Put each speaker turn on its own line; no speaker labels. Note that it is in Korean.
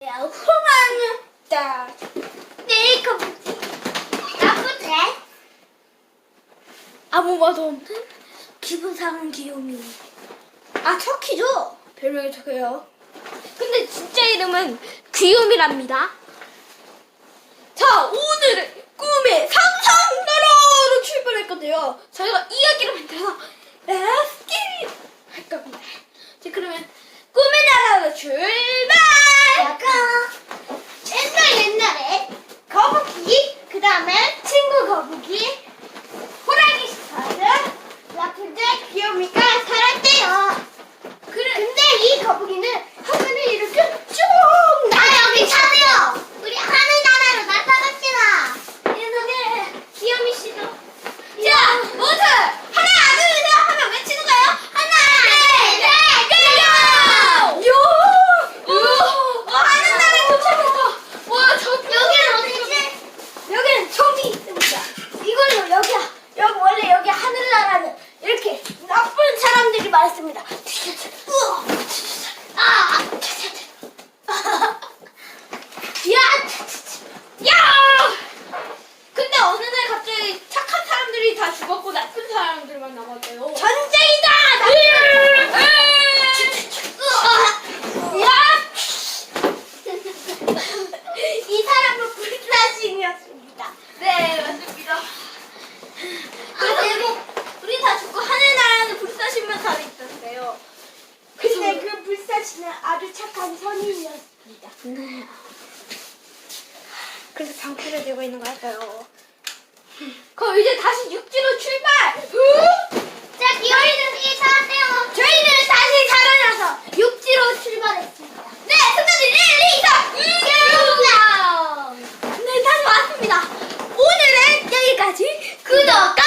호랑이다. 네, 거북이. 나쁘대. 아무 말도 없는 기분 상한 귀요미. 아, 터키죠? 별명이 터키예요. 근데 진짜 이름은 귀요미랍니다. 자, 오늘은 꿈의 상상나라로 출발할 건데요. 저희가 이야기를 만들어서 레스키 할 겁니다. 자, 그러면 꿈의 나라로 출발! 옛날에 거북이, 그 다음에 친구 거북이, 호랑이 스타드, 라푼젤, 귀요미가 살았대요. 근데 이 거북이는 화면을 이렇게 쭉 여기 차세요. 우리 하늘나라로 날아갑시다. 이렇게 귀요미 씨도. 자, 모두 하나, 둘, 셋 하면 외치는 거예요. 하나, 둘, 셋, 고! 하늘나라 도착했어. 와, 여기는 어디지? 여기는 점이 있습니다. 이걸로 여기야. 여기 원래 여기 하늘나라는 이렇게 나쁜 사람들이 많습니다. 야! 근데 어느 날 갑자기 착한 사람들이 다 죽었고 나쁜 사람들만 남았대요. 전쟁이다! 이 사람은 불사신이었습니다. 네, 맞습니다. 그리고 우리 다 죽고 하늘나라는 불사신만 살아있던데요. 근데 그 불사신은 아주 착한 선인이었습니다. 네. 그래서 방패를 들고 있는 거였어요. 그럼 이제 다시 육지로 출발! 자, 저희는 인사하세요. 저희는 다시 살아나서 육지로 출발했습니다. 네, 승자들 1, 2, 3! 네, 다시 왔습니다. 오늘은 여기까지. 구독과